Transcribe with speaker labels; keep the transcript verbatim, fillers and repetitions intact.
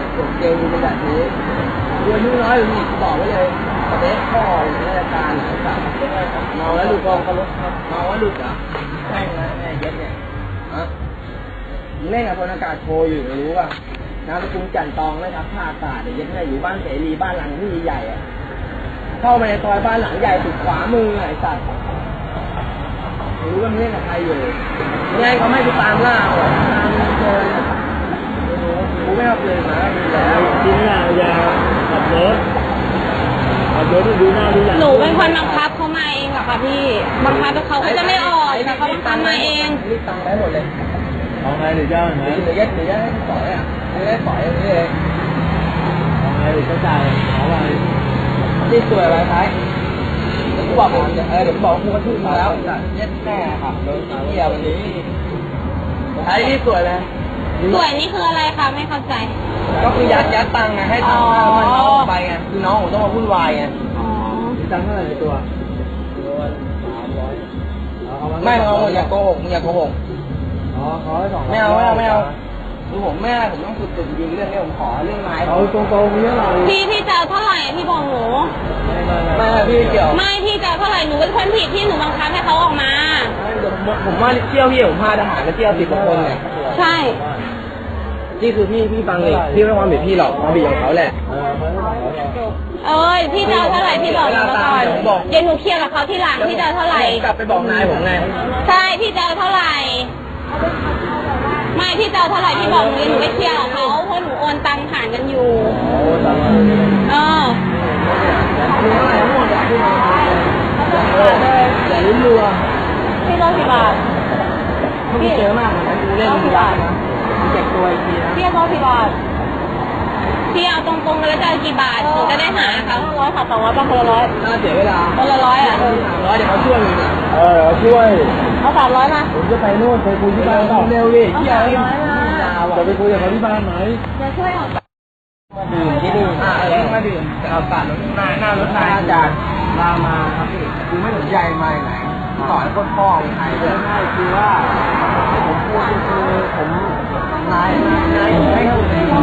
Speaker 1: ส่งเกลเป็นแบบนี้เดือนน้อยหรือหนีบอกไว้เลยประเด็นพ่อหรือราชการหรือสัตว์เมาแล้วหลุดกองเขาลุกเมาแล้วหลุดเหรอใช่ไหมไอ้เย็ดเนี่ยฮะมึงเล่นกับพลอากาศโชว์อยู่ไม่รู้ป่ะนามสกุลจันตองนะครับท่าอากาศเย็ดเนี่ยอยู่บ้านเสรีบ้านหลังที่ใหญ่อะเข้ามาในซอยบ้านหลังใหญ่สุดขวามือไอ้สัตว์รู้ว่ามึงเล่นกับใครอยู่ยังไงเขาไม่ไปตามล่าหรอกตามเจอกูไม่เอาเลยนะแล้วทิ้งหน้ายาขับรถขับรถดูหน้าดูหลัง
Speaker 2: หนูเป็นคนบังคับเขามาเองเหรอคะพี่บังคับเขาเขาจะไม่ออกแต่เขาบังคับมาเอง
Speaker 1: รีบตังไปหมดเลย
Speaker 3: เอาไงหรือจะไหม
Speaker 1: หรือยัดหรือยัดปล่อยอ่ะหรือยัดปล่อยอย่างนี้เอง
Speaker 3: เอาไงหรือจะจ่ายเอาไง
Speaker 1: ที่สวยอะไรท้ายกูบอกผมจะเออเดี๋ยวบอกกูก็ทุ่มมาแล้วจะยัดแน่ครับโดนเกี่ยววันนี้ท้ายที่สวยเลย
Speaker 2: สวยนี่คืออะไรคะไม่เข้าใจ
Speaker 1: ก็คือยัดยัดตังค์ไงให้ตังค์มันน้องไปไงคือน้องผมต้องมาวุ่นวายไง
Speaker 2: อ๋อ
Speaker 3: ตังค์เท่าไหร่ในตัว
Speaker 1: ไม่เอาอย่าโกหกมึงอย่าโกหก
Speaker 3: อ๋อขอให้สอง
Speaker 1: ไม่เอาไม่เอาไม่เอาคือผมแม่ผมต้องฝึกฝึกยิงเรื่องนี้ผมขอเรื่องไม้
Speaker 3: เอาตรงๆเยอะเลย
Speaker 2: พี่พี่จะเท่าไหร่พี่บอกหนู
Speaker 1: ไม่ไม่พี่เกี่ยว
Speaker 2: ไม่พี่จะเท่าไหร่หนูเป็นคนผิดที่หนูบังคับให้เขาออกมา
Speaker 1: ผมว่าเที่ยวพี่ผมพาทหารมาเที่ยวสิบกว่าคนเนี่ย
Speaker 2: ใช่
Speaker 1: นี่คือพี่พี่ฟังเลยพี่ไม่ความผิดพี่หรอกความผิดของเขาแหละ
Speaker 2: เอ้ยพี่จะเท่าไหร่พี่บอกหนูก่อนเดี๋ยวหนูเคลียร์กับเขาที่หลังพี่จะเท่าไหร่
Speaker 1: กลับไปบอกนายผมไง
Speaker 2: ใช่พี่จะเท่าไหร่ไม่พี่จะเท่าไหร่พี่บอกหนูหนูไปเคลียร์กับเขาเพราะหนูโอนตังค์ผ่านกันอยู่เออ
Speaker 1: อย่าลุ้นรัว
Speaker 2: พี่ร้อยกี่บาท
Speaker 1: พี่เจอมากนะกูเล่นมึงยากนะเจ็บตัวอีกทีนะ
Speaker 2: พี่ร้อยกี่บาทพี่เอาตรงๆแล้วจะกี่บาทหนูจะได้หาเขาร้อยค่ะสองร้อยบาทคนละร้อย
Speaker 1: น่าเสียเวลา
Speaker 2: คนละร้อยอ่ะ
Speaker 1: สามร้อยเดี๋ยวเขาช่วยมึง
Speaker 3: เออช่วย
Speaker 2: เอาสามร้อยมา
Speaker 3: ผมจะไปนู่นไปคุยที่บ้าน
Speaker 1: เร็วดิ
Speaker 2: เอาสามร้อยมา
Speaker 3: จะไปคุยกับเขาที่บ้านไหม
Speaker 2: จะช่วยออก
Speaker 1: มาดื่มที่ดื่มอ่าเองมาดื่มจะเอาปาดรถนายหน้ารถนายอาจารย์ลามาครับพี่คือไม่สนใจมาไหนสอนคนพ่อใครเลย
Speaker 3: ง่ายคือว่าผมพูดคือผม
Speaker 1: นายนายให้คุณ